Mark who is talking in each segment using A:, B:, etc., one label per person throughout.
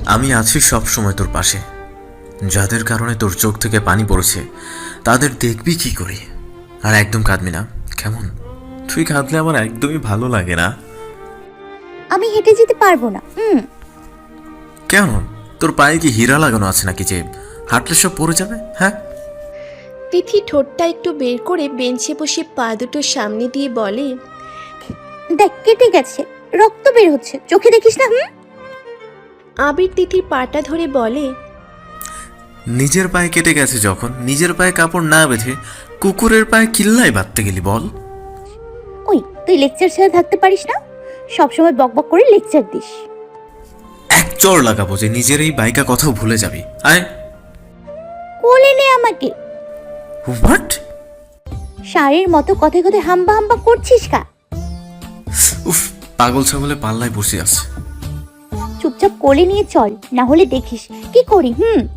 A: আমি আছি সব সময় তোর পাশে। যাদের কারণে তোর চোখ থেকে পানি পড়েছে তাদের দেখবি কি করে। আর একদম কাঁদবি না, কেমন? তুই কাঁদলে আমার একদমই ভালো লাগে না।
B: আমি হেঁটে যেতে পারবো না।
A: কেন? তোর পায়ে কি হীরা লাগানো আছে নাকি যে হাঁটলে সব পড়ে যাবে? হ্যাঁ।
C: তিথি ঠোঁটটা একটু বের করে বেঞ্চে বসে পা দুটো সামনে দিয়ে বলে,
B: দেখ কেটে গেছে, রক্ত বের হচ্ছে, চোখে দেখিস না?
C: আবির তিথির পাটা ধরে বলে,
A: নিজের পায়ে কেটে গেছে যখন নিজের পায়ে কাপড় না বেঁধে কুকুরের পায়ে কিল্লাই বাঁধতে গেলি বল?
B: ওই তুই লেকচার ছেড়ে থাকতে পারিস না? সবসময় বকবক করে লেকচার দিস।
A: এক চড় লাগাবো যে নিজের এই বাইকা কথাও ভুলে যাবি। আয়
B: কোলে নে আমাকে।
A: হোয়াট?
B: ষাঁড়ের মতো কথায় কথায় হাম্বা হাম্বা করছিস কা?
A: উফ, পাগল ছাগলে পাল্লায় বসে আছে।
B: চুপচাপ কোলে নিয়ে চল, না হলে দেখিস কি করি।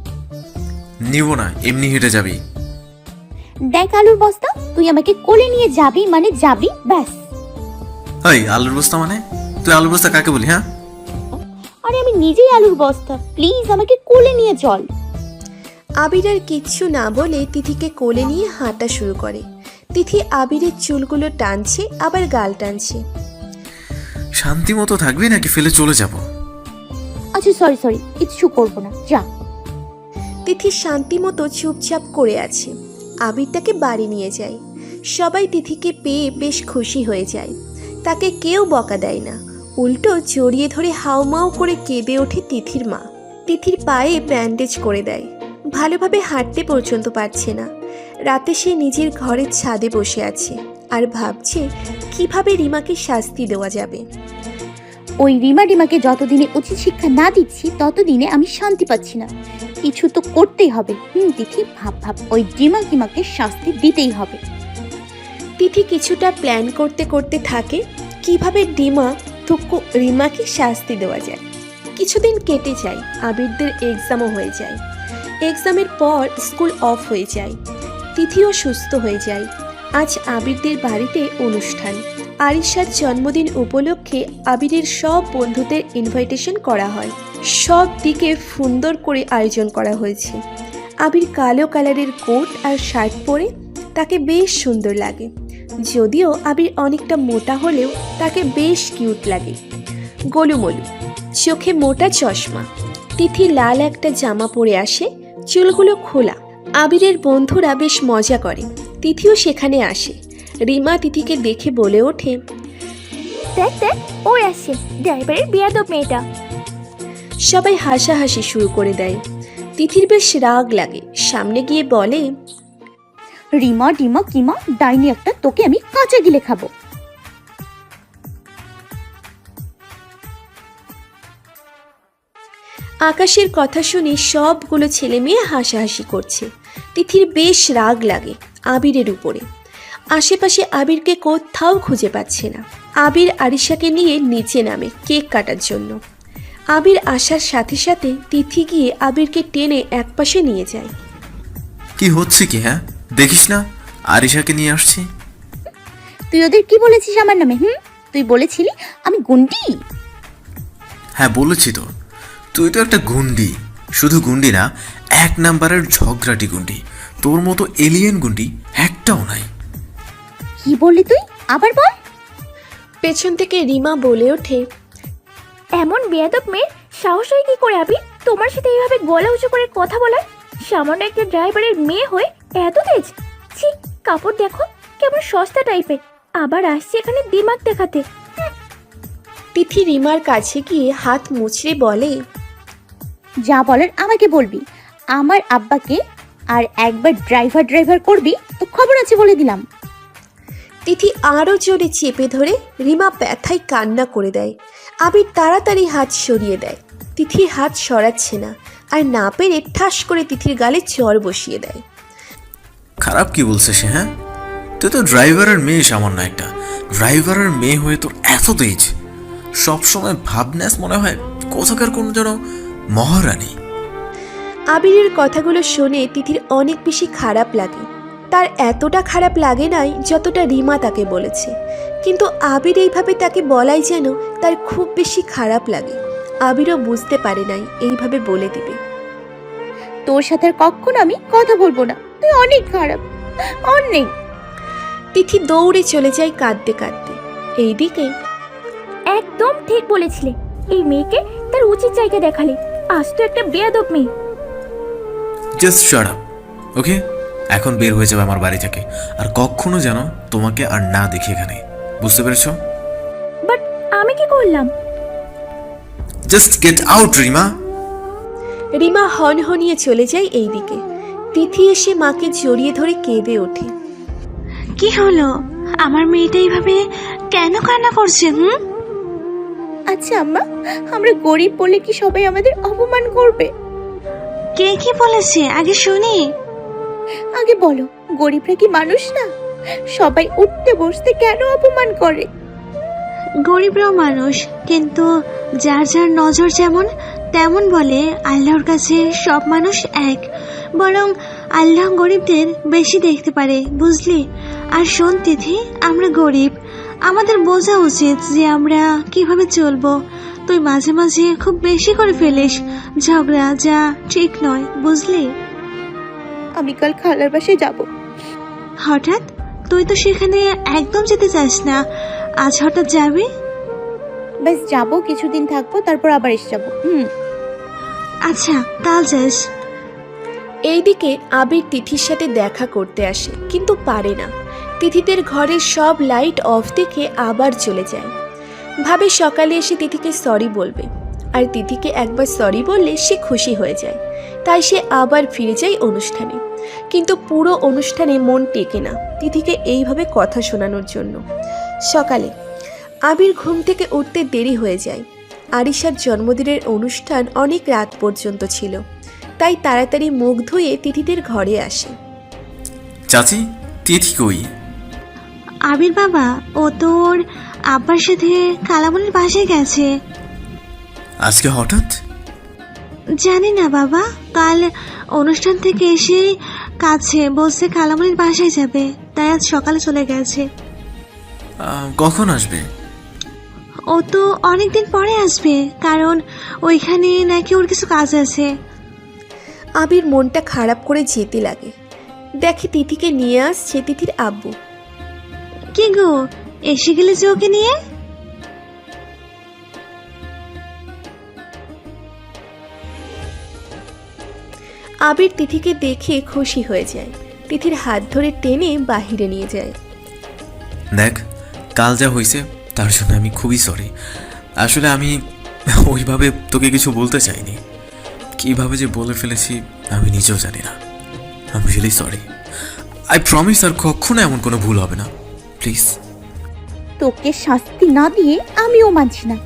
A: নিব না, এমনি হেঁটে যাবি।
B: দেখ আলুর বস্তা, তুই আমাকে কোলে নিয়ে যাবি মানে যাবি, ব্যাস।
A: হাই, আলুর বস্তা মানে? তুই আলুর বস্তা কাকে বলি? হ্যাঁ,
B: আরে আমি নিজেই আলুর বস্তা, প্লিজ আমাকে কোলে নিয়ে চল।
C: আবির আর কিচ্ছু না বলে তিথিকে কোলে নিয়ে হাঁটা শুরু করে। তিথি আবিরের চুলগুলো টানছে, আবার গাল টানছে।
A: শান্তি মতো থাকবি নাকি ফেলে চলে যাব?
B: আচ্ছা সরি, কিচ্ছু করবো না, যা।
C: তিথি শান্তি মতো চুপচাপ করে আছে। আবির তাকে বাড়ি নিয়ে যায়। সবাই তিথিকে পেয়ে বেশ খুশি হয়ে যায়। তাকে কেউ বকা দেয় না, উল্টো জড়িয়ে ধরে হাউমাউ করে কেঁদে ওঠে তিথির মা। তিথির পায়ে ব্যান্ডেজ করে দেয়, ভালোভাবে হাঁটতে পর্যন্ত পারছে না। রাতে সে নিজের ঘরের ছাদে বসে আছে আর ভাবছে কিভাবে রিমাকে শাস্তি দেওয়া যাবে।
B: ওই রিমাকে যতদিনে উচিত শিক্ষা না দিচ্ছি ততদিনে আমি শান্তি পাচ্ছি না। কিছু তো করতেই হবে। তিথি ভাব ওই রিমাকে শাস্তি দিতেই হবে।
C: তিথি কিছুটা প্ল্যান করতে করতে থাকে কিভাবে রিমাকে শাস্তি দেওয়া যায়। কিছুদিন কেটে যায়, আবিরদের এক্সামও হয়ে যায়। এক্সামের পর স্কুল অফ হয়ে যায়। তিথিও সুস্থ হয়ে যায়। আজ আবিরদের বাড়িতে অনুষ্ঠান। আরিশার জন্মদিন উপলক্ষে আবিরের সব বন্ধুদের ইনভাইটেশন করা হয়। সব দিকে সুন্দর করে আয়োজন করা হয়েছে। আবির কালো কালারের কোট আর শার্ট পরে তাকে বেশ সুন্দর লাগে। যদিও আবির অনেকটা মোটা হলেও তাকে বেশ কিউট লাগে। গোলুমলু, চোখে মোটা চশমা। তিথি লাল একটা জামা পরে আসে, চুলগুলো খোলা। আবিরের বন্ধুরা বেশ মজা করে। তিথিও সেখানে আসে। রিমা তিথিকে দেখে বলে ওঠে,
B: দেখ ও আসছে, ড্রাইভারের বেয়াদব মেয়েটা।
C: সবাই হাসাহাসি শুরু করে দেয়। তিথির বেশ রাগ লাগে, সামনে গিয়ে বলে,
B: রিমা কিমা ডাইনি একটা, তোকে আমি কাঁচা গিলে খাবো।
C: আকাশের কথা শুনে সবগুলো ছেলে মেয়ে হাসাহাসি করছে। তিথির বেশ রাগ লাগে আবিরের উপরে। আশেপাশে আবিরকে কোথাও খুঁজে পাচ্ছে না। আবির আরিশাকে নিয়ে নিচে নামে কেক কাটার জন্য। আবির আসার সাথে সাথে তিথি গিয়ে আবিরকে টেনে একপাশে নিয়ে যায়।
A: কি হচ্ছে কি? হ্যাঁ, দেখিস না আরিশাকে নিয়ে আসছি।
B: তুই ওদের কি বলেছিস আমার নামে? তুই বলেছিলি আমি গুন্ডি।
A: হ্যাঁ বলেছি তো, তুই তো একটা গুন্ডি। শুধু গুন্ডি না, এক নাম্বারের ঝগড়াটি গুন্ডি। তোর মতো এলিয়েন গুন্ডি একটাও নাই।
B: কি বললি তুই? আবার বল।
C: পেছন থেকে রিমা বলে ওঠে,
D: এমন বেয়াদব মেয়ের সাহস হয় কি করে আবি তোমার সাথে এইভাবে গলা উঁচু করে কথা বলার? সামান্য একটা ড্রাইভারের মেয়ে হয়ে এত তেজ! ছি, কাপড় দেখো কেমন সস্তা টাইপের, আবার আসছে এখানে দিমাগ দেখাতে।
C: তিথি রিমার কাছে গিয়ে হাত মুচড়ে বলে,
B: যা বলার আমাকে বলবি। আমার আব্বাকে আর একবার ড্রাইভার করবি তো খবর আছে বলে দিলাম।
C: তিথি আরও জোরে চেপে ধরে রিমা ব্যথায় কান্না করে দেয়। আবির তাড়াতাড়ি হাত সরিয়ে দেয়। তিথি হাত সরাচ্ছে না, আর না পেরে ঠাস করে তিথির গালে চড় বসিয়ে দেয়।
A: খারাপ কি বলছে সে? হ্যাঁ, তুই তো ড্রাইভারের মেয়ে, সামান্য একটা ড্রাইভারের মেয়ে হয়ে তোর এত তেজ। সবসময় ভাবনাস মনে হয় কোথাকার কোন যেন মহারানী।
C: আবিরের কথাগুলো শুনে তিথির অনেক বেশি খারাপ লাগে। তার এতটা খারাপ লাগে নাই যতটা রিমা তাকে বলেছে, কিন্তু আবির এইভাবে তাকে বলাই যেন তার খুব বেশি খারাপ লাগে। আবিরও বুঝতে পারে নাই এইভাবে বলে দিবে।
B: তোর সাথে আর কখনো আমি কথা বলবো না, তুই অনেক খারাপ, অনেক।
C: তিথি দৌড়ে চলে যায় কাঁদতে কাঁদতে। এইদিকে
D: একদম ঠিক বলেছিলে, এই মেয়েকে তার উচিত জায়গা দেখালে। আজ তো একটা বেয়াদব মেয়ে।
A: Just shut up, okay? এখন বের হয়ে যাবে আমার বাড়ি থেকে, আর কখনো যেন তোমাকে আর না দেখি এখানে, বুঝতে পেরেছো?
D: বাট আমি কি করলাম?
A: Just get out Rima.
C: Rima হনহনিয়ে চলে যায় এইদিকে। তিথি এসে মাকে জড়িয়ে ধরে কেঁদে ওঠে।
E: কি হলো? আমার মেয়েটা এইভাবে কেন কান্না করছে?
B: আচ্ছা আম্মা, আমরা গরিব বলে কি সবাই আমাদের অপমান করবে?
E: কে কি বলেছে আগে শুনি।
B: আগে বলো, গরিবরা কি মানুষ না? সবাই উঠতে বসতে কেন অপমান করে?
E: গরিবরাও মানুষ, কিন্তু যার যার নজর যেমন তেমন বলে। আল্লাহর কাছে সব মানুষ এক, বরং আল্লাহ গরিবদের বেশি দেখতে পারে, বুঝলি? আর শোন তিথি, আমরা গরিব, আমাদের বোঝা উচিত যে আমরা কিভাবে চলবো। তুই মাঝে মাঝে খুব বেশি করে ফেলিস ঝগড়া, যা ঠিক নয়, বুঝলি?
B: আমি কাল খালার বাসায় যাব।
E: হঠাৎ? তুই তো সেখানে একদম যেতে চাস না, আজ হঠাৎ যাবি?
B: ব্যাস যাবো, কিছুদিন থাকবো, তারপর আবার এসে যাবো।
E: আচ্ছা, কাল যাস।
C: এইদিকে আবির তিথির সাথে দেখা করতে আসে, কিন্তু পারে না। তিথিদের ঘরের সব লাইট অফ দেখে আবার চলে যায়। ভাবে সকালে এসে তিথিকে সরি বলবে, আর তিথিকে একবার সরি বললে সে খুশি হয়ে যায়। তাই সে আবার ফিরে যায় অনুষ্ঠানে। কিন্তু পুরো অনুষ্ঠানে মন টেকে না তিথিকে এইভাবে কথা শোনানোর জন্য। সকালে আবির ঘুম থেকে উঠতে দেরি হয়ে যায়। আরিশার জন্মদিনের অনুষ্ঠান অনেক রাত পর্যন্ত ছিল, তাই তাড়াতাড়ি মুখ ধুয়ে তিথিদের ঘরে আসে।
A: চাচি, তিথি কই?
E: আবির বাবা, ও তোর আব্বার সাথে কালামনের বাসায় গেছে।
A: আজকে হঠাৎ?
E: জানি না বাবা, কাল অনুষ্ঠান থেকে এসে কাছে বলছে কালামনের বাসায় যাবে, তাই আজ সকালে চলে গেছে।
A: কখন আসবে?
E: ও তো অনেকদিন পরে আসবে, কারণ ওইখানে নাকি ওর কিছু কাজ আছে।
C: আবির মনটা খারাপ করে যেতে লাগে। দেখে তিথিকে নিয়ে আসছে তিথির আব্বু।
E: কি গো, এসে গেলে যে ওকে নিয়ে?
C: আবির তিথিকে দেখে খুশি হয়ে যায়। তিথির হাত ধরে টেনে বাহিরে নিয়ে যায়।
A: দেখ, কাল যা হয়েছে তার জন্য আমি খুবই সরি। আসলে আমি ওইভাবে তোকে কিছু বলতে চাইনি, কিভাবে যে বলে ফেলেছি আমি নিজেও জানি না। I really sorry. I promise আর কখনো এমন কোনো ভুল হবে না, প্লিজ।
B: তোকে শাস্তি না দিয়ে আমিও মানছি না।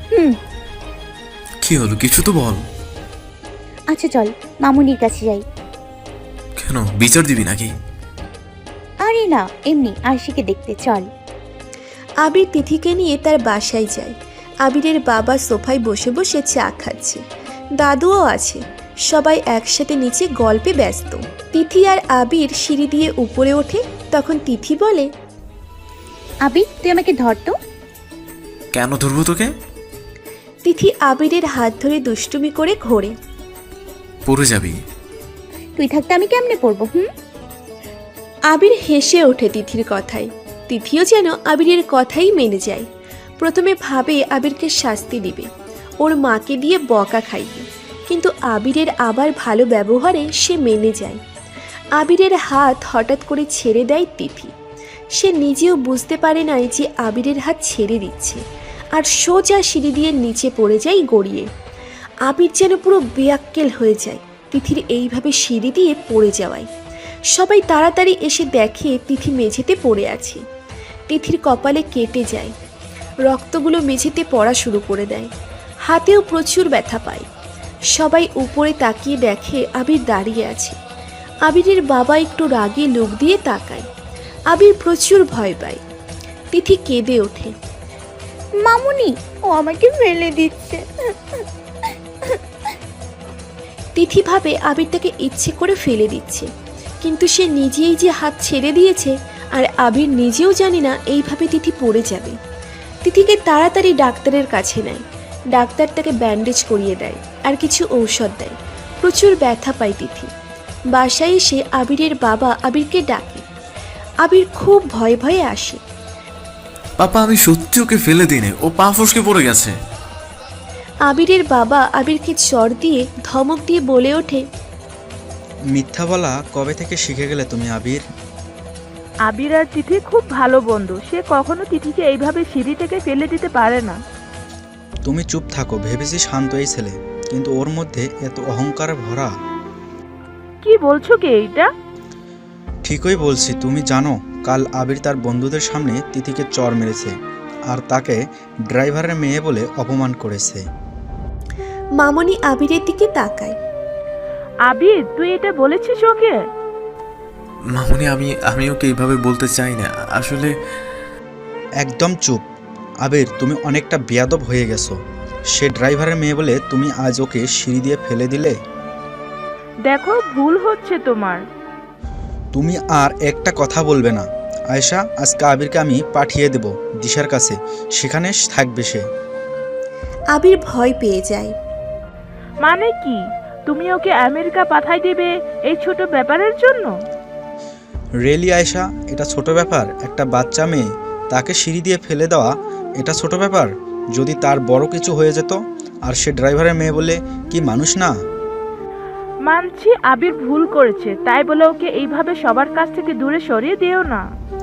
A: কি হলো, কিছু তো বল।
B: আচ্ছা চল মামুনির কাছে যাই।
A: কেন, বিচার দিবি নাকি?
B: আরে না, এমনি আরশিকে দেখতে, চল।
C: আবির তিথিকে নিয়ে তার বাসায় যায়। আবিরের বাবা সোফায় বসে বসে চা খাচ্ছে, দাদুও আছে। সবাই একসাথে নিচে গল্পে ব্যস্ত। তিথি আর আবির সিঁড়ি দিয়ে উপরে ওঠে। তখন তিথি বলে,
B: আবির, তুই আমাকে ধর তো।
A: কেন ধরবো তোকে?
C: তিথি আবিরের হাত ধরে দুষ্টুমি করে ঘোরে।
A: পড়ে যাবি।
B: তুই থাকতে আমি কেমনে পড়বো?
C: আবির হেসে ওঠে তিথির কথায়। তিথিও যেন আবিরের কথাই মেনে যায়। প্রথমে ভাবে আবিরকে শাস্তি দিবে, ওর মাকে দিয়ে বকা খাইবে, কিন্তু আবিরের আবার ভালো ব্যবহারে সে মেনে যায়। আবিরের হাত হঠাৎ করে ছেড়ে দেয় তিথি। সে নিজেও বুঝতে পারে না যে আবিরের হাত ছেড়ে দিচ্ছে, আর সোজা সিঁড়ি দিয়ে নিচে পড়ে যায় গড়িয়ে। আবির যেন পুরো বেয়াক্কেল হয়ে যায় তিথির এইভাবে সিঁড়ি দিয়ে পড়ে যাওয়ায়। সবাই তাড়াতাড়ি এসে দেখে তিথি মেঝেতে পড়ে আছে। তিথির কপালে কেটে যায়, রক্তগুলো মেঝেতে পড়া শুরু করে দেয়। হাতেও প্রচুর ব্যথা পায়। সবাই উপরে তাকিয়ে দেখে আবির দাঁড়িয়ে আছে। আবিরের বাবা একটু রাগে লোক দিয়ে তাকায়। আবির প্রচুর ভয় পায়। তিথি কেঁদে ওঠে।
B: মামুনি, ও আমাকে ফেলে দিচ্ছে।
C: তিথি ভাবে আবির তাকে ইচ্ছে করে ফেলে দিচ্ছে, কিন্তু সে নিজেই যে হাত ছেড়ে দিয়েছে, আর আবির নিজেও জানে না এইভাবে তিথি পড়ে যাবে। তিথিকে তাড়াতাড়ি ডাক্তারের কাছে নেয়। ডাক্তার তাকে ব্যান্ডেজ করিয়ে দেয় আর কিছু ঔষধ দেয়। প্রচুর ব্যথা পায় তিথি। বাসায় এসে আবিরের বাবা আবিরকে ডাকে। আবির খুব ভয়ে ভয়ে আসে।
A: পাপা, আমি সত্যি ওকে ফেলে দিনে, ও পা ফসকে পড়ে গেছে।
C: আবিরের বাবা আবিরকে চড় দিয়ে ধমক দিয়ে বলে ওঠে,
F: মিথ্যা বলা কবে থেকে শিখে গেলে তুমি আবির?
G: আবির আর তিথি খুব ভালো বন্ধু, সে কখনো তিথিকে এইভাবে সিঁড়ি থেকে ফেলে দিতে পারে না।
F: তুমি চুপ থাকো, ভেবেছি শান্ত এই ছেলে, কিন্তু ওর মধ্যে এত অহংকার ভরা।
G: কি বলছো কি এইটা?
F: ঠিকই বলছি। তুমি জানো কাল আবির তার বন্ধুদের সামনে তিথিকে চড় মেরেছে আর তাকে ড্রাইভারের মেয়ে বলে অপমান করেছে।
C: মামনি আবিরের দিকে তাকায়।
G: আবির, তুই এটা বলেছিস ওকে?
A: মামুনি, আমি ওকে এইভাবে বলতে চাই না আসলে।
F: একদম চুপ আবির, তুমি অনেকটা বেয়াদব হয়ে গেছো। সে ড্রাইভারের মেয়ে বলে তুমি আজ ওকে সিঁড়ি দিয়ে ফেলে দিলে।
G: দেখো, ভুল হচ্ছে তোমার।
F: তুমি আর একটা কথা বলবে না আয়েশা। আজকে আবিরকে আমি পাঠিয়ে দেব দিশার কাছে, সেখানে থাকবে সে।
C: আবির ভয় পেয়ে যায়।
G: মানে কি? তুমি ওকে আমেরিকা পাঠাই দেবে এই ছোট ব্যাপারের জন্য?
F: রেলি আয়েশা, এটা ছোট ব্যাপার? একটা বাচ্চা মেয়ে, তাকে সিঁড়ি দিয়ে ফেলে দেওয়া এটা ছোট ব্যাপার? যদি তার বড় কিছু হয়ে যেত, আর সে ড্রাইভারের মেয়ে বলে কি মানুষ না?
G: মানছি আবির ভুল করেছে, তাই বলে ওকে এইভাবে সবার কাছ থেকে দূরে সরিয়ে দিও না।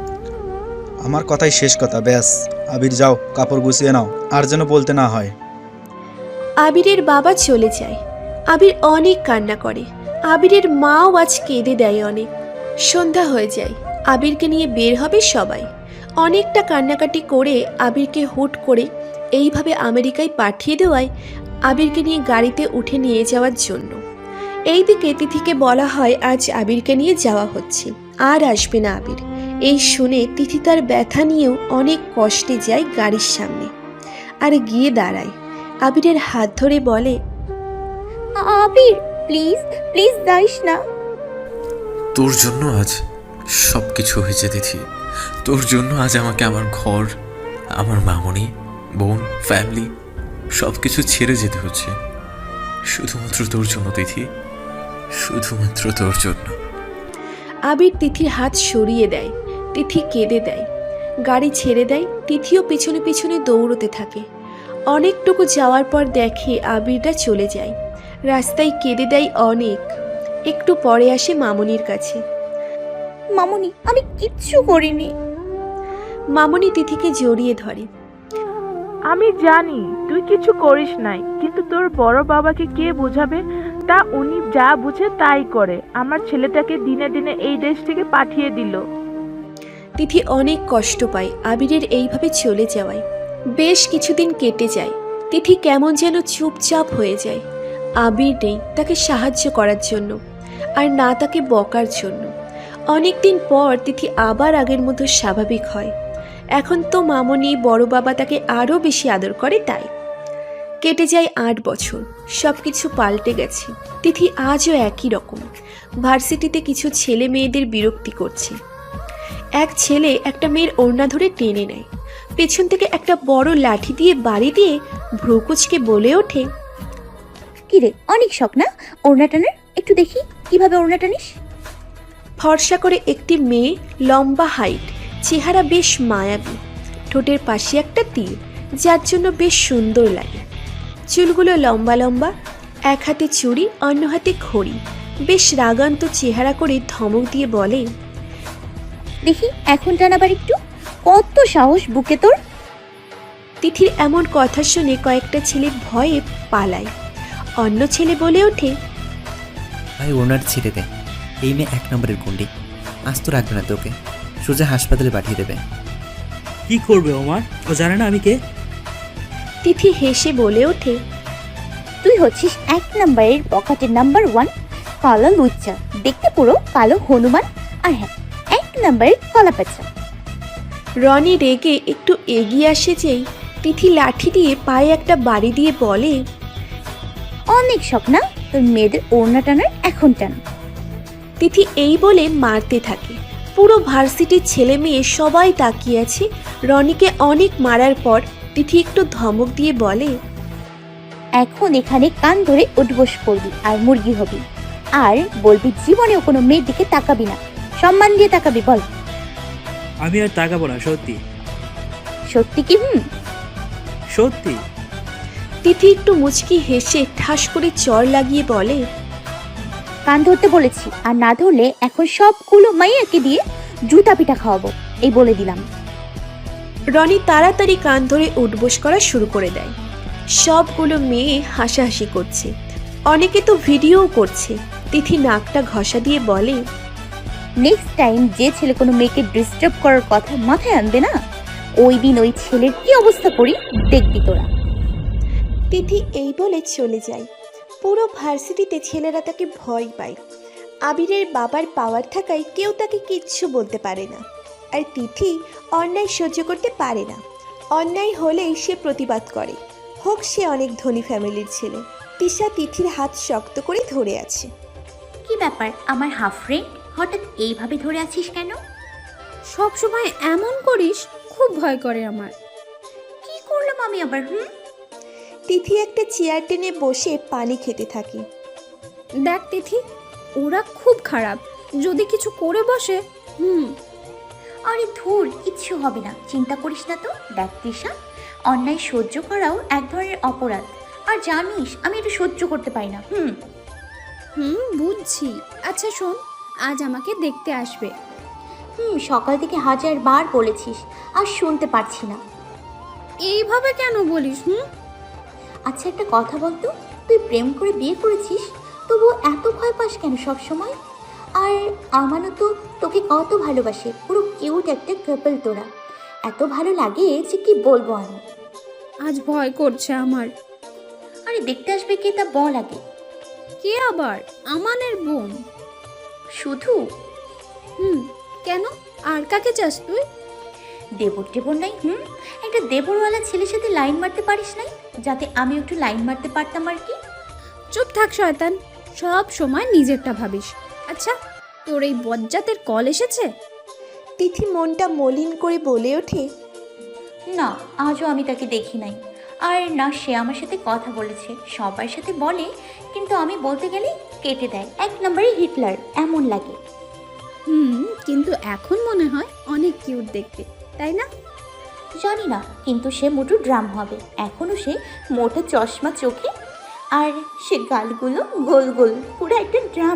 F: আমার কথাই শেষ কথা, ব্যাস। আবির যাও, কাপড় গুছিয়ে নাও, আর যেন বলতে না হয়।
C: আবিরের বাবা চলে যায়। আবির অনেক কান্না করে। আবিরের মাও আজ কেঁদে দেয় অনেক। সন্ধ্যা হয়ে যায়। আবিরকে নিয়ে বের হবে সবাই। অনেকটা কান্নাকাটি করে আবিরকে হুট করে এইভাবে আমেরিকায় পাঠিয়ে দেওয়ায় আবিরকে নিয়ে গাড়িতে উঠে নিয়ে যাওয়ার জন্য। এইদিকে তিথিকে বলা হয় আজ আবিরকে নিয়ে যাওয়া হচ্ছে, আর আসবে না আবির। এই শুনে তিথি তার ব্যথা নিয়েও অনেক কষ্টে যায় গাড়ির সামনে, আর গিয়ে দাঁড়ায়। আবিরের হাত ধরে বলে,
B: আবির, প্লিজ প্লিজ যাইস না।
A: তোর জন্য আজ সব কিছু হয়েছে তিথি। তোর জন্য আজ আমাকে আমার ঘর, আমার মামনি, বোন, ফ্যামিলি সব কিছু ছেড়ে যেতে হচ্ছে। শুধুমাত্র তোর জন্য তিথি, শুধুমাত্র তোর জন্য।
C: আবির তিথির হাত সরিয়ে দেয়। তিথি কেঁদে দেয়। গাড়ি ছেড়ে দেয়। তিথিও পিছনে পিছনে দৌড়তে থাকে। অনেকটুকু যাওয়ার পর দেখে আবিরটা চলে যায়। রাস্তায় কেঁদে দেয় অনেক। একটু পরে আসে মামনির কাছে।
B: মামুনি, আমি কিচ্ছু করিনি।
C: মামনি তিথিকে জড়িয়ে ধরে।
G: আমি জানি তুই কিছু করিস নাই, কিন্তু তোর বড় বাবাকে কে বোঝাবে? তা উনি যা বুঝে তাই করে। আমার ছেলেটাকে দিনে দিনে এই দেশ থেকে পাঠিয়ে দিল।
C: তিথি অনেক কষ্ট পায় আবিরের এইভাবে চলে যাওয়ায়। বেশ কিছুদিন কেটে যায়। তিথি কেমন যেন চুপচাপ হয়ে যায়। আবির নেই তাকে সাহায্য করার জন্য, আর না তাকে বকার জন্য। অনেকদিন পর তিথি আবার আগের মতো স্বাভাবিক হয়। এখন তো মামনি, বড় বাবা তাকে আরও বেশি আদর করে। তাই কেটে যায় 8 বছর। সব কিছু পাল্টে গেছে। তিথি আজও একই রকম। ভার্সিটিতে কিছু ছেলে মেয়েদের বিরক্তি করছে। এক ছেলে একটা মেয়ের ওড়না ধরে টেনে নেয়। পেছন থেকে একটা বড় লাঠি দিয়ে বাড়ি দিয়ে ভ্রুকুচকে বলে ওঠে,
B: কিরে, অনেক শখ না ওড়না টানার? একটু দেখি কিভাবে ওড়না টানিস।
C: ফর্সা করে একটি মেয়ে, লম্বা হাইট, চেহারা বেশ মায়াবী, ঠোঁটের পাশে একটা তীর, যার জন্য বেশ সুন্দর লাগে। চুলগুলো লম্বা লম্বা, এক হাতে চুড়ি, অন্য হাতে ঘড়ি। বেশ রাগান্ত চেহারা করে ধমক দিয়ে বলে,
B: দেখি এখন টানাবার একটু। কত সাহস বুকে তোর!
C: তিথির এমন কথা শুনে কয়েকটা ছেলে ভয়ে পালায়। অন্য ছেলে বলে ওঠে,
H: ভাই ওনার ছেড়ে দে, এই মেয়ে 1 নম্বরের গুন্ডি, আজ তো রাখবে না তোকে, সোজা হাসপাতালে পাঠিয়ে দেবে।
I: কি করবে ওমার? ও জানে না আমি কে?
C: তিথি হেসে বলে ওঠে,
B: তুই হচ্ছিস 1 নম্বরের পকেটের নাম্বার 1 কালো লুচ্চা, দেখতে পুরো কালো হনুমান। আর হ্যাঁ, 1 নম্বরের কলা পেঁচা।
C: রনি রেগে একটু এগিয়ে আসে যেই তিথি লাঠি দিয়ে পায়ে একটা বাড়ি দিয়ে বলে,
B: অনেক শখ না তোর মেয়েদের ওড়না টানার, এখন টান।
C: তিথি এই বলে মারতে থাকে। পুরো ভার্সিটির ছেলে মেয়ে সবাই তাকিয়ে আছে। রনিকে অনেক মারার পর তিথি একটু ধমক দিয়ে বলে,
B: এখন এখানে কান ধরে উঠবোস করবি আর মুরগি হবি, আর বলবি জীবনেও কোনো মেয়ের দিকে তাকাবি না, সম্মান দিয়ে তাকাবি। বল
I: আমি আর তাকাবো না, সত্যি
B: সত্যি কি?
I: সত্যি।
C: তিথি একটু মুচকি হেসে ঠাস করে চড় লাগিয়ে বলে,
B: কান ধরতে বলেছি, আর না ধরলে এখন সবগুলো মাইয়াকে দিয়ে জুতা পিঠা খাওয়াবো, এই বলে দিলাম।
C: রনি তাড়াতাড়ি কান ধরে উঠবোস করা শুরু করে দেয়। সবগুলো মেয়ে হাসাহাসি করছে, অনেকে তো ভিডিওও করছে। তিথি নাকটা ঘষা দিয়ে বলে,
B: নেক্সট টাইম যে ছেলে কোনো মেয়েকে ডিস্টার্ব করার কথা মাথায় আনবে না, ওই দিন ওই ছেলের কি অবস্থা করি দেখবি তোরা।
C: তিথি এই বলে চলে যায়। পুরো ভার্সিটিতে ছেলেরা তাকে ভয় পায়। আবিরের বাবার পাওয়ার থাকায় কেউ তাকে কিচ্ছু বলতে পারে না। আর তিথি অন্যায় সহ্য করতে পারে না। অন্যায় হলেই সে প্রতিবাদ করে, হোক সে অনেক ধনী ফ্যামিলির ছেলে। তিশা তিথির হাত শক্ত করে ধরে আছে।
B: কি ব্যাপার আমার হাফ ফ্রেন্ড, হঠাৎ এইভাবে ধরে আছিস কেন?
J: সব সময় এমন করিস, খুব ভয় করে আমার।
B: কি করলাম আমি আবার?
C: তিথি একটা চেয়ার টেনে বসে পানি খেতে থাকে।
J: দেখ তিথি, ওরা খুব খারাপ, যদি কিছু করে বসে।
B: আরে ধুর, কিচ্ছু হবে না, চিন্তা করিস না তো। দেখ তৃষা, অন্যায় সহ্য করাও এক ধরনের অপরাধ, আর জানিস আমি এটা সহ্য করতে পারি না।
J: বুঝছি। আচ্ছা শোন, আজ আমাকে দেখতে আসবে।
B: সকাল থেকে 1000 বার বলেছিস, আর শুনতে পারছি না।
J: এইভাবে কেন বলিস?
B: আচ্ছা একটা কথা বলতো, তুই প্রেম করে বিয়ে করেছিস, তবুও এত ভয় পাস কেন সব সময়? আর আমারও তো তোকে কত ভালোবাসে, পুরো কিউট একটা কাপল তোরা, এত ভালো লাগে যে কি বলবো আমি।
J: আজ ভয় করছে আমার।
B: আরে দেখতে আসবে কে তা বল আগে।
J: কে আবার? আমানের বোন।
B: শুধু?
J: কেন, আর কাকে চাস তুই?
B: দেবর টেবর নাই? একটা দেবরওয়ালা ছেলের সাথে লাইন মারতে পারিস নাই, যাতে আমি একটু লাইন মারতে পারতাম আর কি।
J: চুপ থাক শয়তান, সব সময় নিজেরটা ভাবিস। আচ্ছা, তোর এই বজ্জাতের কল এসেছে?
C: তিথি মনটা মলিন করে বলে ওঠে,
B: না, আজও আমি তাকে দেখি নাই। আর না সে আমার সাথে কথা বলেছে, সবার সাথে বলে, কিন্তু আমি বলতে গেলে কেটে দেয়। 1 নম্বরে হিটলার এমন লাগে।
J: কিন্তু এখন মনে হয় অনেক কিউট দেখতে, তাই না?
B: জানি না, কিন্তু সে মোটু ড্রাম হবে। এখনও সে মোটা চশমা চোখে, আর সে গালগুলো গোল গোল, পুরো একটা ড্রাম।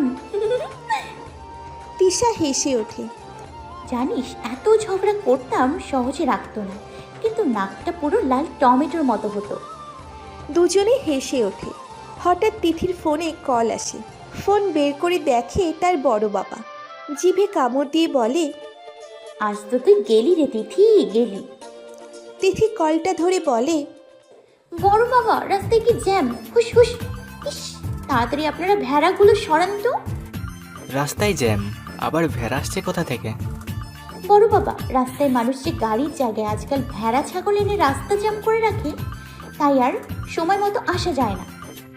C: তিশা হেসে ওঠে।
B: জানিস, এত ঝগড়া করতাম সহজে রাখতো না, কিন্তু নাকটা পুরো লাল টমেটোর মতো হতো।
C: দুজনে হেসে ওঠে। হঠাৎ তিথির ফোনে কল আসে। ফোন বের করে দেখে তার বড় বাবা। জিভে কামড় দিয়ে বলে,
B: আজ তো তুই গেলি রে তিথি, গেলি।
C: তিথি কলটা ধরে বলে,
B: বড় বাবা, রাস্তায় কি জ্যাম, হুস হুস। ইস, তাড়াতাড়ি আপনারা ভেড়াগুলো সরান তো।
K: রাস্তায় জ্যাম, আবার ভেড়া আসছে কোথা থেকে?
B: বড় বাবা, রাস্তায় মানুষ যে গাড়ির জায়গায় আজকাল ভেড়া ছাগল এনে রাস্তা জ্যাম করে রাখে, তাই আর সময় মতো আসা যায় না।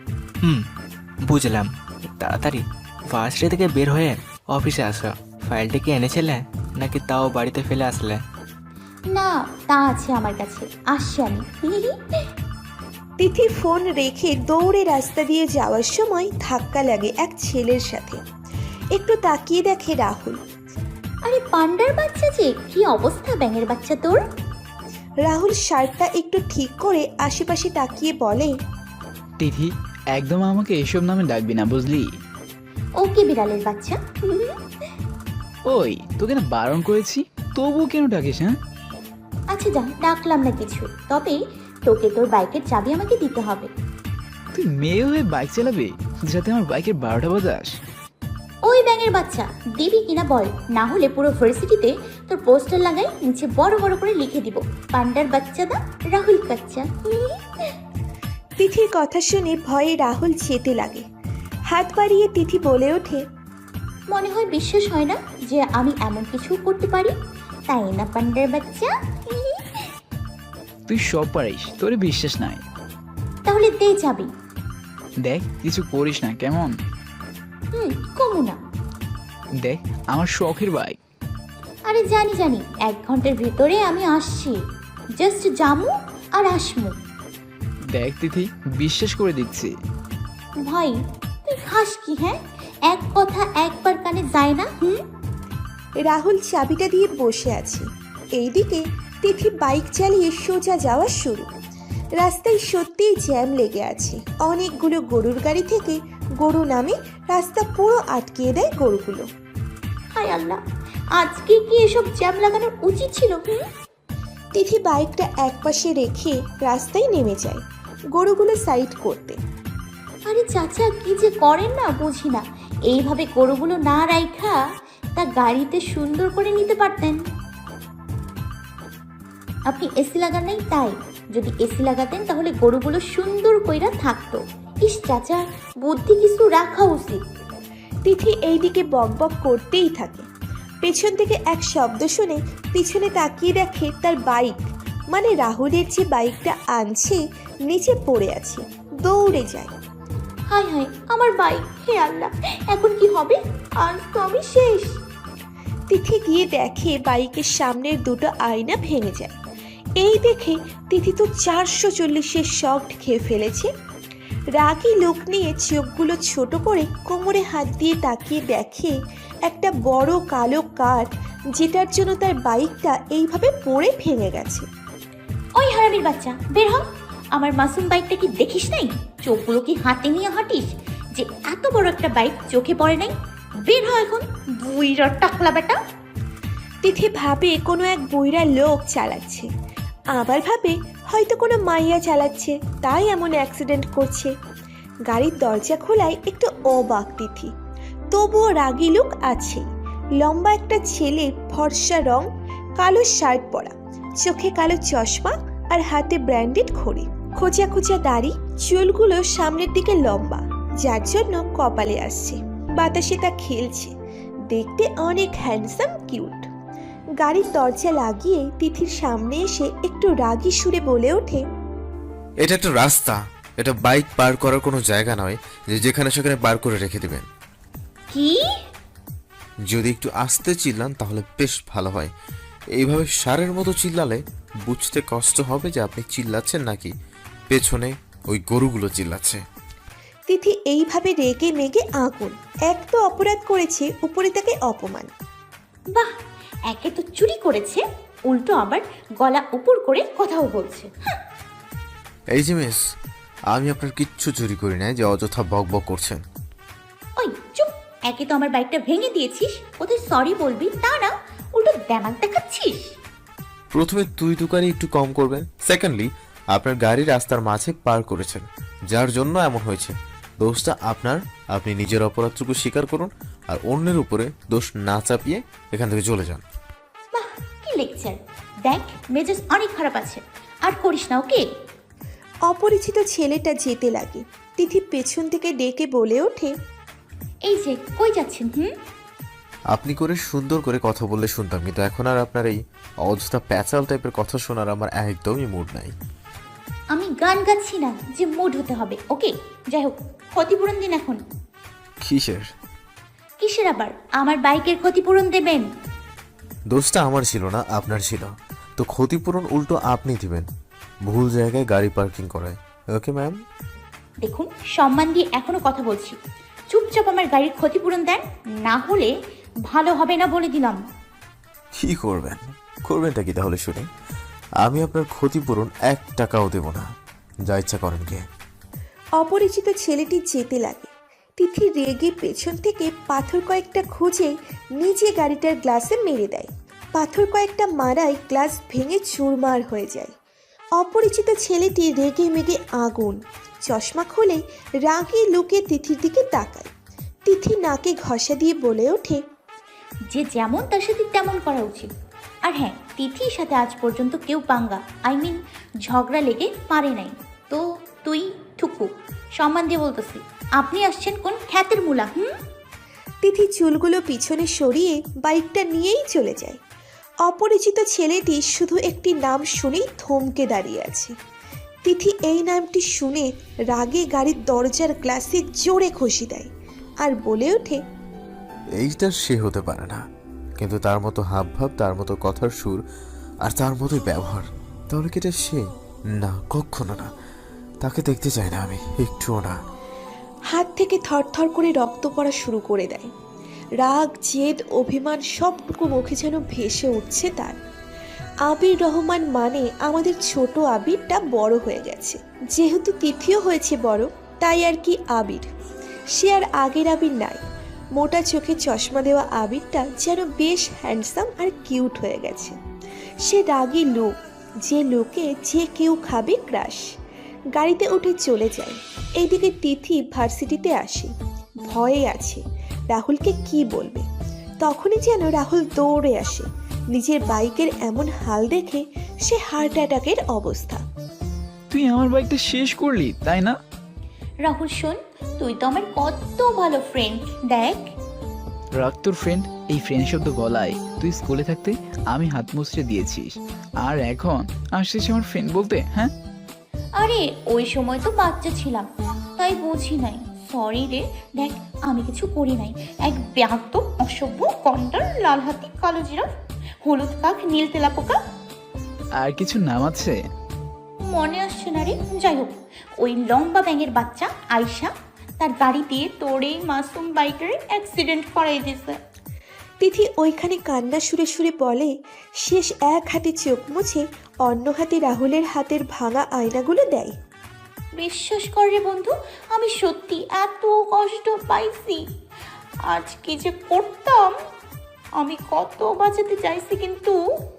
K: বুঝলাম। তাড়াতাড়ি ভার্সিটি থেকে বের হয়ে অফিসে আসো। ফাইলটা কি এনেছিলে, নাকি তাও বাড়িতে ফেলে আসলে?
B: না, তা আছে আমার কাছে, আসছি আমি।
C: তিথি ফোন রেখে দৌড়ে রাস্তা দিয়ে যাওয়ার সময় ধাক্কা লাগে এক ছেলের সাথে। একটু তাকিয়ে দেখে রাহুল।
B: আরে পান্ডার বাচ্চা যে, কি অবস্থা ব্যাঙের বাচ্চা তোর?
C: রাহুল শার্টটা একটু ঠিক করে আশেপাশে তাকিয়ে বলে,
L: তিথি, একদম আমাকে এসব নামে ডাকবি না, বুঝলি?
B: ওকে বিড়ালের বাচ্চা।
L: ওই, তোকে না বারণ করেছি, তবুও কেন ডাকিস? হ্যাঁ
B: আচ্ছা যা, ডাকলাম না কিছু, তবে তোকে তোর বাইকের চাবি আমাকে দিতে হবে।
L: তুই মেয়ে হয়ে বাইক চালাবি, যাতে আমার বাইকের 12টা বাজাস?
B: ওই ব্যাঙের বাচ্চা, দিবি কিনা বল, না হলে পুরো ভার্সিটিতে তোর পোস্টার লাগাই, নিচে বড় বড় করে লিখে দিব, পান্ডার বাচ্চা দা রাহুল কাচ্চা।
C: তিথির কথা শুনে ভয়ে রাহুল যেতে লাগে। হাত বাড়িয়ে তিথি বলে ওঠে,
B: মনে হয় বিশ্বাস হয় না যে আমি এমন কিছু করতে পারি, তাই না পান্ডার বাচ্চা?
L: তুই সব পারিস, তোরে বিশ্বাস নাই।
B: তাহলে দে যাবি।
L: দেখ, কিছু করিস না, কেমন?
B: কমু না।
L: দেখ, আমার শখের বাইক।
B: আরে জানি জানি, 1 ঘন্টার ভেতরে আমি আসছি, জাস্ট জামু আর আসমু।
L: দেখ তিথি, বিশ্বাস করে দিচ্ছি।
B: ভাই তুই খাস কি হ্যাঁ? এক কথা একবার কানে যায় না?
C: রাহুল চাবিটা দিয়ে বসে আছে। এইদিকে তিথি বাইক চালিয়ে সোজা যাওয়া শুরু। রাস্তায় সত্যিই জ্যাম লেগে আছে। অনেকগুলো গরুর গাড়ি থেকে গরু নামে রাস্তা পুরো আটকিয়ে দেয় গরুগুলো।
B: হায় আল্লাহ, আজকে কি এসব জ্যাম লাগানোর উচিত ছিল?
C: তিথি বাইকটা একপাশে রেখে রাস্তায় নেমে যায় গরুগুলো সাইড করতে।
B: আরে চাচা কি যে করেন না বুঝি না। এইভাবে গরুগুলো না রাইখা তা গাড়িতে সুন্দর করে নিতে পারতেন। আপনি এসি লাগান নাই তাই। যদি এসি লাগাতেন তাহলে গরুগুলো সুন্দর কইরা থাকতো। ইস চাচা, বুদ্ধি কিছু রাখা উচিত।
C: তিথি এইদিকে বকবক করতেই থাকে। পেছন থেকে এক শব্দ শুনে পিছনে তাকিয়ে দেখে তার বাইক, মানে রাহুলের যে বাইকটা আনছে, নিচে পড়ে আছে। দৌড়ে যায়।
B: হায় হায়, আমার বাইক! হে আল্লাহ, এখন কি হবে? আজ তো আমি শেষ।
C: তিথি গিয়ে দেখে বাইকের সামনের দুটো আয়না ভেঙে যায়। এই দেখে তিথি তো 440-এর শক খেয়ে ফেলেছে। রাগী লোক নিয়ে চোখগুলো ছোট করে কোমরে হাত দিয়ে তাকিয়ে দেখে একটা বড় কালো কার, যেটার জন্য তার বাইকটা এইভাবে পড়ে ভেঙে গেছে।
B: ওই হারামির বাচ্চা, বের হ! আমার মাসুম বাইকটা কি দেখিস নাই? চোখগুলো কি হাতে নিয়ে হাঁটিস যে এত বড় একটা বাইক চোখে পড়ে নাই? বের হ এখন, বুইরা টাকলা বেটা!
C: তিথি ভাবে কোনো এক বুইড়া লোক চালাচ্ছে, আবার ভাবে হয়তো কোনো মাইয়া চালাচ্ছে, তাই এমন অ্যাক্সিডেন্ট করছে। গাড়ির দরজা খোলায় একটু অবাক তিথি, তবুও রাগী লোক আছে। লম্বা একটা ছেলে, ফর্সা রং, কালো শার্ট পরা, চোখে কালো চশমা আর হাতে ব্র্যান্ডেড ঘড়ি, খোঁচা খোঁচা দাড়ি, চুলগুলো সামনের দিকে লম্বা, যার জন্য কপালে আসছে। বাতাসে তা খেলছে, দেখতে অনেক হ্যান্ডসাম কিউট। গাড়ির দরজা লাগিয়ে তিথির সামনে এসে একটু রাগী সুরে বলে ওঠে,
A: এটা একটা রাস্তা, এটা বাইক পার করার কোনো জায়গা নয় যে যেখানে সেখানে পার করে রেখে দিবেন।
B: কি?
A: যদি একটু আস্তে চিল্লান তাহলে বেশ ভালো হয়। এইভাবে সারের মতো চিল্লালে বুঝতে কষ্ট হবে যে আপনি চিল্লাচ্ছেন নাকি পেছনে ওই গরুগুলো চিল্লাচ্ছে।
C: তিথি এইভাবে রেগে মেগে আগুন। এক তো অপরাধ করেছে, উপরে তাকে অপমান।
B: বাহ, একে তো চুরি করেছে, উল্টো আবার গলা উপর করে কথাও বলছে।
A: এই যে মিস, আমি আপনার কিচ্ছু চুরি করি নাই যে অযথা বক বক করছেন।
B: ওই চুপ! একে তো আমার বাইকটা ভেঙে দিয়েছিস, ওদের সরি বলবি তা না, উল্টো দেমাগ দেখাচ্ছিস।
A: প্রথমে তুই তুকারি একটু কম করবেন। সেকেন্ডলি, আপনার গাড়ি রাস্তার মাঝে পার করেছেন, যার জন্য এমন হয়েছে। দোষটা আপনার, আপনি নিজের অপরাধটুকু স্বীকার করুন আর অন্যের উপরে দোষ না চাপিয়ে এখান থেকে চলে যান।
B: বাহ, কি লেকচার! দেখ, মেজাজ অনেক খারাপ আছে, আর করিস না, ওকে?
C: অপরিচিত ছেলেটা যেতে লাগে। তিথি পেছন থেকে ডেকে বলে ওঠে,
B: এই যে কই যাচ্ছেন?
A: আপনি করে সুন্দর করে কথা বললে শুনতাম, কিন্তু এখন আর আপনার এই অযথা প্যাচাল টাইপের কথা শোনার আমার একদমই মুড নাই।
B: আমি গান গাচ্ছি না যে মুড হতে হবে, ওকে? যাই হোক, ক্ষতিপূরণ দিন এখন।
A: কিসের?
B: কিসের আবার? আমার বাইকের ক্ষতিপূরণ দেবেন।
A: দোষটা আমার ছিল না, আপনার ছিল। তো ক্ষতিপূরণ উল্টো আপনি দিবেন, ভুল জায়গায় গাড়ি পার্কিং করায়। Okay ma'am?
B: দেখুন, সম্মান দিয়ে এখনো কথা বলছি, চুপচাপ আমার গাড়ির ক্ষতিপূরণ দেন, না হলে ভালো হবে না বলে দিলাম।
A: কি করবেন? করবেনটা কি তাহলে শুনে? আমি আপনার ক্ষতিপূরণ 1 টাকাও দেব না, যা ইচ্ছা করেন কে।
C: অপরিচিত ছেলেটি যেতে লাগে। তিথি রেগে পেছন থেকে পাথর কয়েকটা খুঁজে নিজে গাড়িটার গ্লাসে মেরে দেয়। পাথর কয়েকটা মারায় গ্লাস ভেঙে চুরমার হয়ে যায়। অপরিচিত ছেলেটি রেগে মেগে আগুন। চশমা খুলে রাগে লুকে তিথির দিকে তাকায়। তিথি নাকে ঘষা দিয়ে বলে ওঠে,
B: যে যেমন তার সাথে তেমন করা উচিত। আর হ্যাঁ, তিথির সাথে আজ পর্যন্ত কেউ পাঙ্গা, ঝগড়া লেগে পারে নাই। তো তুই ঠুকু, সম্মান দিয়ে বলতেছি, আপনি আসছেন কোন খ্যাতের মূলা?
C: তিথি চুলগুলো পিছনে সরিয়ে বাইকটা নিয়েই চলে যায়। অপরিচিত ছেলেটি শুধু একটি নাম শুনেই থমকে দাঁড়িয়ে আছে। তিথি এই নামটি শুনে রাগে গাড়ির দরজার গ্লাসে জোরে ঘষি দেয় আর বলে ওঠে,
A: এইটা সে হতে পারে না, কিন্তু তার মতো হাবভাব, তার মতো কথার সুর আর তার মতোই ব্যবহার, তাহলে কি এটা সে? না, কখনো না। তাকে দেখতে চাই না আমি, একটুও না।
C: হাত থেকে থরথর করে রক্ত পড়া শুরু করে দেয়। রাগ, জেদ, অভিমান সবটুকু মুখে যেন ভেসে উঠছে তার। আবির রহমান মানে আমাদের ছোট আবিরটা বড় হয়ে গেছে। যেহেতু তিথিও হয়েছে বড়, তাই আর কি আবির। সে আর আগের আবির নাই। মোটা চোখে চশমা দেওয়া আবিরটা যেন বেশ হ্যান্ডসাম আর কিউট হয়ে গেছে। সে রাগী লোক, যে লোকে যে কেউ খাবে ক্রাশ। গাড়িতে উঠে চলে যায়। এইদিকে তিথি ভার্সিটিতে আসে, ভয়ে আছে রাহুলকে কি বলবে। তখনই যেন রাহুল দৌড়ে আসে। নিজের বাইকের এমন হাল দেখে সে হার্ট অ্যাটাকের অবস্থা।
L: তুই আমার বাইকটা শেষ করলি তাই না?
B: রাহুল শোন, তুই তো আমার কত ভালো ফ্রেন্ড, দেখ।
L: রাগ তোর ফ্রেন্ড, এই ফ্রেন্ড শব্দ গলায় তুই স্কুলে থাকতে আমি হাত মুছড়ে দিয়েছিস, আর এখন আসছিস আমার ফ্রেন্ড বলতে? হ্যাঁ
B: আরে ওই সময় তো বাচ্চা ছিলাম, তাই বুঝি নাই। সরি রে, দেখ আমি কিছু করি নাই। এক ব্যাক্ত অসভ্য কন্ডার, লাল হাতি, কালো জিরাফ, হলুদ কাক, নীল তেলাপোকা।
L: আর কিছু নাম আছে?
B: মনে আসছে না রে। যাই হোক, ওই লম্বা ব্যাঙের বাচ্চা আয়শা তার গাড়ি দিয়ে তোর এই মাসুম বাইকের অ্যাক্সিডেন্ট করাই দিয়েছে।
C: তিথি ওইখানে কান্না সুরে সুরে বলে, শেষ এক হাতে চোখ মুছে অন্য হাতে রাহুলের হাতের ভাঙা আয়নাগুলো দেয়।
B: বিশ্বাস কর রে বন্ধু, আমি সত্যি এত কষ্ট পাইছি। আজ কি যে করতাম, আমি কত বাঁচাতে চাইছি, কিন্তু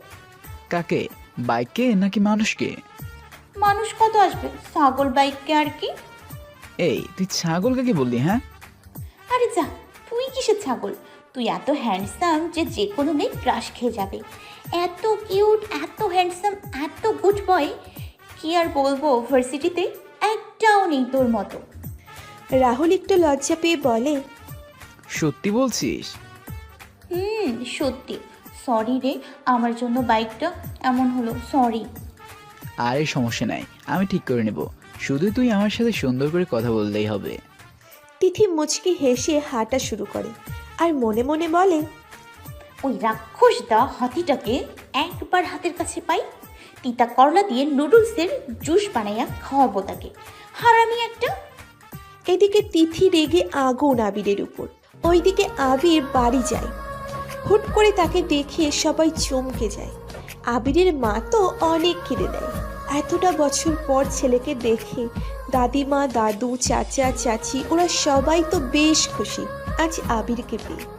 L: কাকে? বাইককে নাকি মানুষকে?
B: মানুষ কত আসবে, ছাগল বাইককে আর কি।
L: এই তুই ছাগল কাকে বললি? হ্যাঁ
B: আরে যা, তুই কিসের ছাগল? তুই এত হ্যান্ডসাম যে যে কোনো মেয়ে ক্রাশ খেয়ে যাবে। এত কিউট, এত হ্যান্ডসাম, এত গুড বয়, কি আর বলবো, ভার্সিটিতে একটাও নেই তোর মতো।
C: রাহুল একটু লজ্জা পেয়ে বলে,
L: সত্যি বলছিস?
B: সত্যি। সরি রে, আমার জন্য বাইকটা এমন হলো, সরি।
L: আরে সমস্যা নাই, আমি ঠিক করে নেব, শুধু তুই আমার সাথে সুন্দর করে কথা বললেই হবে।
C: তিথি মুচকি হেসে হাঁটা শুরু করে আর মনে মনে বলে,
B: ওই রাক্ষস দা হাতিটাকে একবার হাতের কাছে পাই, তিতা করলা দিয়ে নুডলসের জুস বানাইয়া খাওয়াবো তাকে, হারামি একটা।
C: এদিকে তিথি রেগে আগুন আবিরের উপর। ওইদিকে আবির বাড়ি যায়। হুট করে তাকে দেখে সবাই চমকে যায়। আবিরের মা তো অনেক কেঁদে দেয়। এতটা বছর পর ছেলেকে দেখে দাদিমা, দাদু, চাচা, চাচি ওরা সবাই তো বেশ খুশি আজ আবিরকে পেয়ে।